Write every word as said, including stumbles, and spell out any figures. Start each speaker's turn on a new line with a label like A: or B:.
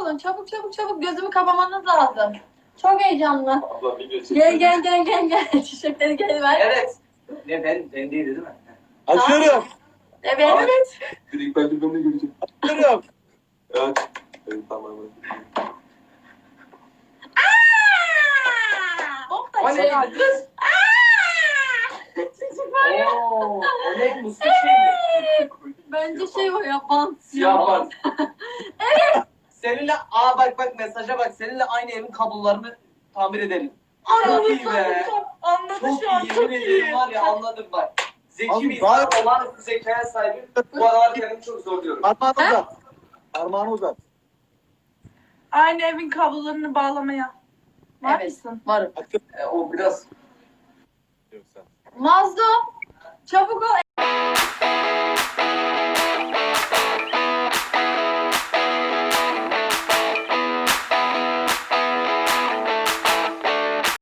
A: olun. Çabuk çabuk çabuk gözümü kapamanız lazım. Çok heyecanlı.
B: Abla video çekiyor.
A: Gel gel gel gel gel. Çiçekleri gel ver.
C: Evet. Ne ben ben değildi değil mi?
D: Açıyorum.
A: Evet.
B: Ay.
A: Evet.
B: Direkt bence ben de göreceğim.
D: Açıyorum.
B: Evet. Evet tamam.
A: Hop da
C: O ne
A: şey
C: ya
A: var.
C: kız?
A: Çocuk var ya.
C: Oo, o ne? Muska şey mi?
A: Bence şey o ya bant.
C: Siyah bant. Seninle aa bak bak mesaja bak. Seninle aynı evin kablolarını tamir edelim. Çok iyi be.
A: Anladı
C: Çok
A: şu an.
C: iyi.
A: Çok
C: Yemin ediyorum
A: iyi.
C: var ya anladım bak. Zeki
D: Abi,
C: bir insan
D: gayet-
C: olağanüstü zekaya sahibim. Bu aralar kendimi çok zorluyorum.
D: Parmağını uzat. Parmağını uzat.
E: Aynı evin kablolarını bağlamaya. Var
A: Evet.
E: mısın?
A: Varım.
C: E, o biraz
D: Yoksa.
A: Mazlum. Çabuk ol.